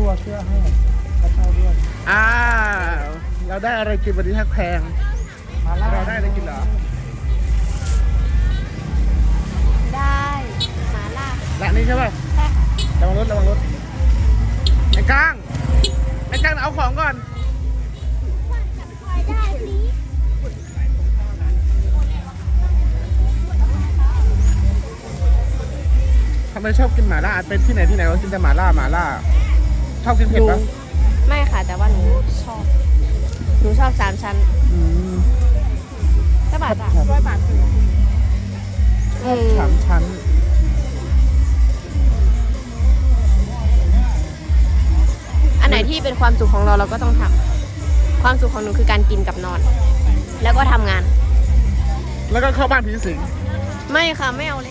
ตัวเสื้อให้กระเช้าด้วยเราได้อะไรกินวันนี้ทักแพงมาล่าเราได้อะไรกินเหรอได้หมาล่าร้านนี้ใช่ป่ะใช่ค่ะระวังรถไอ้ก้างเอาของก่อนทำไมชอบกินหม่าล่าเป็นที่ไหนเรากินแต่หม่าล่าชอบกินเผ็ดปะไม่ค่ะแต่ว่าหนูชอบ3 ชั้นจะบาทจ้ะ100 บาท 3 ชั้นอันไหนที่เป็นความสุขของเราก็ต้องทำความสุขของหนูคือการกินกับนอน แล้วก็ทำงานแล้วก็เข้าบ้านผีสิงไม่ค่ะไม่เอาเลย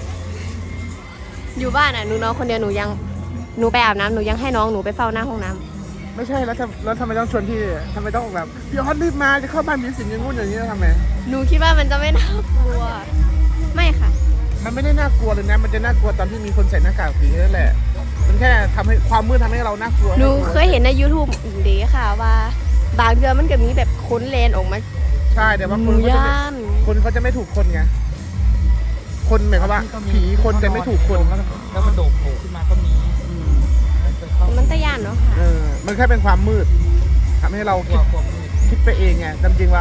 อยู่บ้านหนูนอนคนเดียวหนูไปอาบน้ำหนูยังให้น้องหนูไปเฝ้าหน้าห้องน้ำไม่ใช่แล้วทำไมต้องชวนพี่ทำไมต้องแบบพี่ฮอตรีบมาจะเข้าบ้านผีสิงอย่างงู้นอย่างนี้ทำไมหนูคิดว่ามันจะไม่น่ากลัวไม่ค่ะมันไม่ได้น่ากลัวเลยนะมันจะน่ากลัวตอนที่มีคนใส่หน้ากากผีนั่นแหละมันแค่ทำให้ความมืดทำให้เราน่ากลัวหนูเคยเห็นใน YouTube เด็กค่ะว่าบางเดือนมันก็มีแบบค้นเลนออกมาใช่แต่ว่าคนเขาจะไม่ถูกคนไงคนหมายความว่าผีคนจะไม่ถูกคนแล้วมันโดดโผล่ขึ้นมาก็มีมันตะยานเนาะค่ะมันแค่เป็นความมืดทำให้เราคิดไปเองไงจริงว่า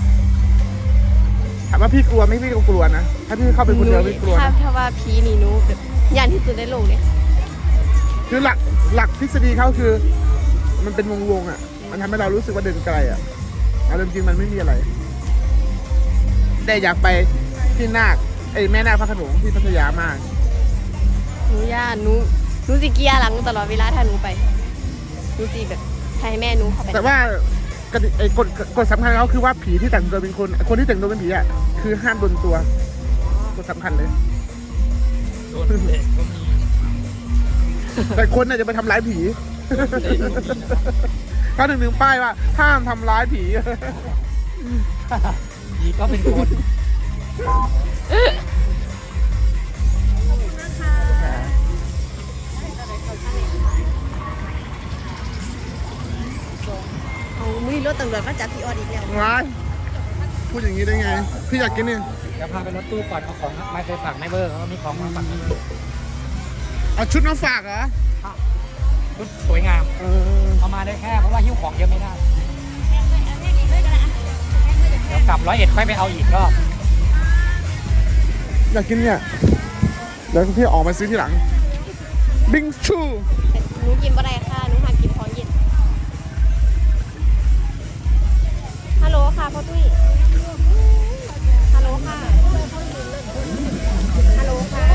ถามว่าพี่กลัวไหมพี่ก็กลัวนะถ้าพี่เข้าไปคนเดียวพี่กลัวถ้าว่าผีนี่หนูแบบย่านที่สุดในโลกเนี่ยคือหลักทฤษฎีเขาคือมันเป็นวงอ่ะมันทำให้เรารู้สึกว่าเดินไกลอ่ะแต่จริงมันไม่มีอะไรแต่อยากไปที่นาคแม่นาคพระโขนงที่พัทยามากหนูสิเกียร์หลังตลอดเวลาถ้าหนูไปหนูสิแบบให้แม่หนูเข้าไปแต่ว่ากฎสำคัญเขาคือว่าผีที่แต่งตัวเป็นคนที่แต่งตัวเป็นผีอ่ะคือห้ามโดนตัวกฎสำคัญเลยโดนเด็กก็มีแต่คนน่ะจะไปทำร้ายผีเขาถึงป้ายว่าห้ามทำร้ายผีผีก็เป็นคนมีรถตำรวจมาจับพี่ออดอีกแล้วว้ายพูดอย่างนี้ได้ไงพี่อยากกินนี่เดี๋ยวพาไปรถตู้ก่อนเอาของไม่ไปฝากไม่เบอร์เขามีของมาฝากเอาชุดมาฝากเหรอชุดสวยงามเอามาได้แค่เพราะว่าหิ้วของเยอะไม่ได้เดี๋ยวกลับ101ค่อยไปเอาอีกรอบอยากกินเนี่ยเดี๋ยวพี่ออกมาซื้อที่หลังบิงชูหนูกินอะไรค่ะหนูหากินของเย็นฮัลโหลค่ะพ่อตุ้ยฮัลโหลค่ะฮัลโหลค่ะ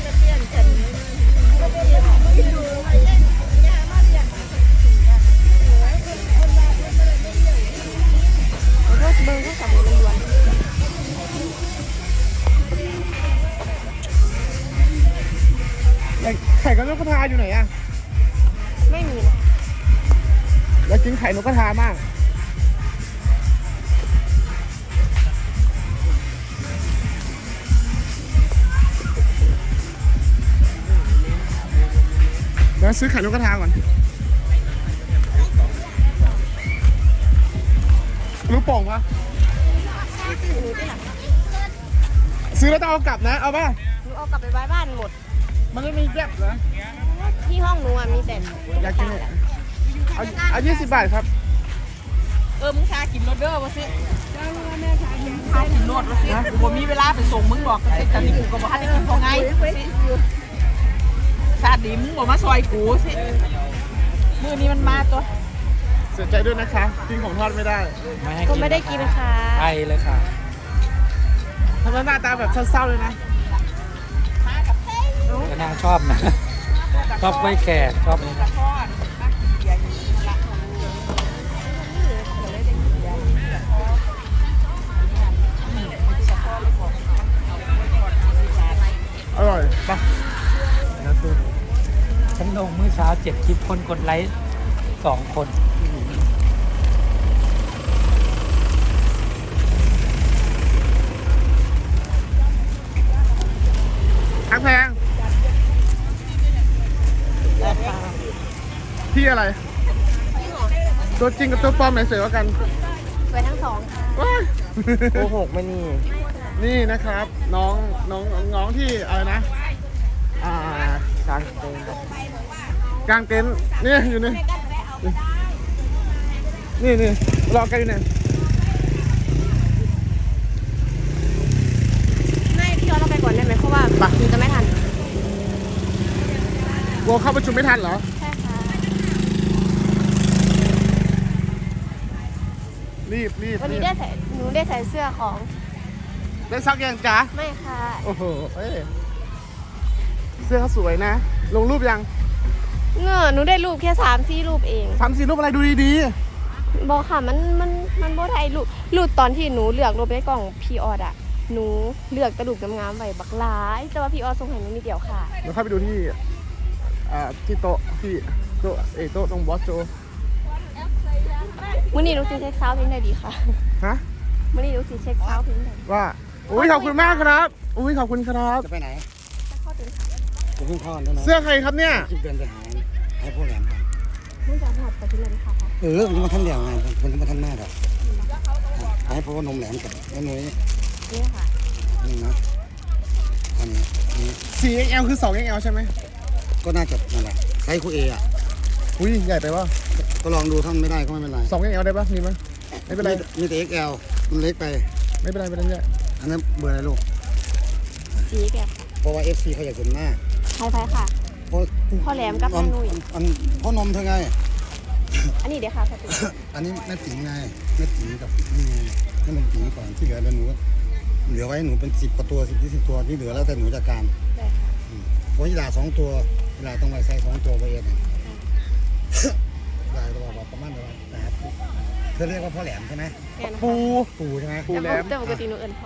เบิ้งก็กลับมาล้วนไข่กับนกกระทาอยู่ไหนอะไม่มีนะอยากกินไข่นกกระทามากแล้วซื้อไข่นกกระทาก่อนรู้ป่องปะซื้อแล้วต้องเอากลับนะเอาป่ะหนูเอากลับไปไว้บ้านหมดมันไม่มีแยบเหรอที่ห้องหนูมีแต่อยากกินเอา20 บาทครับมึงชากินรถเด้อวะสิชากินรถวะสิกูมีเวลาไปส่งมึงบอกแต่ตอนนี้กูก็บอกให้กินพอไงชาดีมึงบอกมาซอยกูสิมือนี้มันมาตัวเสียใจด้วยนะคะกินของทอดไม่ได้ก็ไม่ได้กินค่ะไปเลยค่ะทำไมหน้าตาแบบเศร้าๆเลยนะก็น่าชอบนะชอบกล้วยแขกชอบนี่นะอร่อยปะฉันลงเมื่อเช้า7 คลิปคนกดไลค์2 คนทั้งแพงพี่อะไร ตัวจริงกับตัวปลอมไหนสวยกว่ากันสวยทั้งสองค่ะว้ายโกหกไม่นี่นี่นะครับ น้องที่อะไรนะกลางเต็นท์กลางเต็นท์นี่อยู่นี่นี่รอกันอยู่เนี่ยไม่พี่เราไปก่อนได้ไหมเพราะว่าหนูจะไม่ทันกลัวเข้าประชุมไม่ทันเหรอใช่ค่ะรีบวันนี้หนูได้ใส่เสื้อของได้ซักยังจ๊ะไม่ค่ะโอ้โหเอ้ยเสื้อเขาสวยนะ ลงรูปยังหนูได้รูปแค่3-4 รูปเอง 3-4 รูปอะไรดูดีบอกค่ะมันบ่ได้รูปตอนที่หนูเลือกรูปในกล่องพีออดอะหนูเลือกกระดูกงามๆไว้บักหลาย แต่ว่าพีออดส่งให้หนูนิดเดียวค่ะๆเราเข้าไปดูที่ที่โต๊ะที่โต๊ะโต๊ะตรงบอสโจมื้อนี้หนูสิเช็คซาวด์เพลงได้ดีค่ะฮะมื้อนี้หนูสิเช็คซาวด์เพลงได้ดีว่าอุ้ยขอบคุณมากครับอุ้ยขอบคุณครับจะไปไหนจะเข้าถึงค่ะผมเพิ่งเข้าแล้วนะเสื้อใครครับเนี่ยคิดเดือนจะหายพวกแหลมกันมึงจะหอดไปที่เลยค่ะมันมาทันเดียวไงมันมาทันหน้าดอกหายเพราะว่านมแหลมกับแม่นุ้ยนี่ค่ะนี่นะอันนี้ 4XL คือ 2XL ใช่ไหมก็น่าจะนั่นแหละไซส์คูเออ่ะอุ้ยใหญ่ไปวะก็ลองดูถ้าไม่ได้ก็ไม่เป็นไร 2XL ได้ปะมีมั้ยไม่เป็นไรมีแต่ XL มันเล็กไปไม่เป็นไรไม่เป็นไรอันนั้นเบอร์อะไรลูกสีแกะเพราะว่า FC เขาอยากเห็นหน้าไทยค่ะเพราะพ่อแหลมกับแม่นุ้ยพ่อนมเธอไงอันนี้เดี๋ยวค่ะสติอันนี้แม่ติ๋งไงแม่ติ๋งกับนี่ไงแม่นมติ๋งก่อนที่เหลือแล้วหนูเหลือไว้หนูเป็น10 กว่าตัว10 ตัวที่เหลือแล้วแต่หนูจัดการได้ค่ะเพราะยีรา2 ตัวยีราต้องไว้ใส่2 ตัวไปเองนะยีราตัวประมาณเท่าไหร่นะครับเธอเรียกว่าพ่อแหลมใช่ไหมแม่นะปูคะปู่ใช่ไหมปูแหลมแต่ปกติหนูเอิ้นพ่อ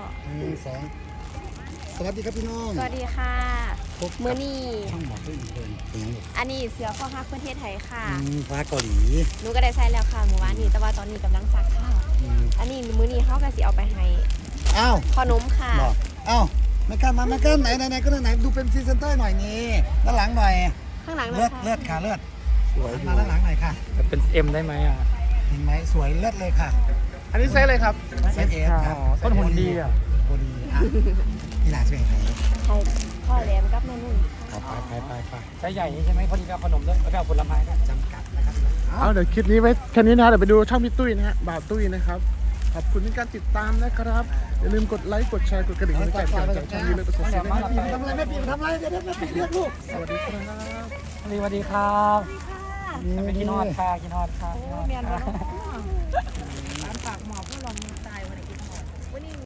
1 2สวัสดีครับพี่น้องสวัสดีค่ะพบกับมื้อนี้ช่องหมอตัวอีกเป็นยังไงอันนี้เสือข้อฮักประเทศไทยค่ะฟ้าเกาหลีหนูก็ได้ใส่แล้วค่ะเมื่อวานนี้แต่ว่าตอนนี้กำลังซักค่ะ อันนี้มื้อนี้เขาก็สิเอาไปให้อ้าวพ่อนมค่ะบอกอ้าวแม่กันมาแม่กันไหนก็ไหนดูเป็นพรีเซนเตอร์หน่อยนี่ด้านหลังหน่อยข้างหลังนะเลือดคะเลือดค่ะเลือดสวยมาด้านหลังหน่อยค่ะจะเป็น M ได้ไหมอ่ะเห็นไหมสวยเลือดเลยค่ะอันนี้ไซส์อะไรครับเซตเอสครับต้นหุ่นดีอ่ะโบดีอ่ะที่ร้านเป็นไงใช่พ่อแหลมกับแม่นุ่นไปใช้ใหญ่นี่ใช่ไหมพอดีไปเอาขนมด้วยแล้วก็เอาผลไม้ด้วยจำกัดนะครับเอาเดี๋ยวคลิปนี้ไว้แค่นี้นะเดี๋ยวไปดูช่องพี่ตุ้ยนะฮะบ่าวตุ้ยนะครับขอบคุณที่การติดตามนะครับอย่าลืมกดไลค์กดแชร์กดกระดิ่งให้แจ้งเตือนจากช่องนี้เลยประสบสิ่งที่ดีทำอะไรแม่ปีทำอะไรเดี๋ยวแม่ปีเรียกลูกสวัสดีครับสวัสดีครับไปกินฮอดค่ะกินฮอดค่ะกินฮอดค่ะ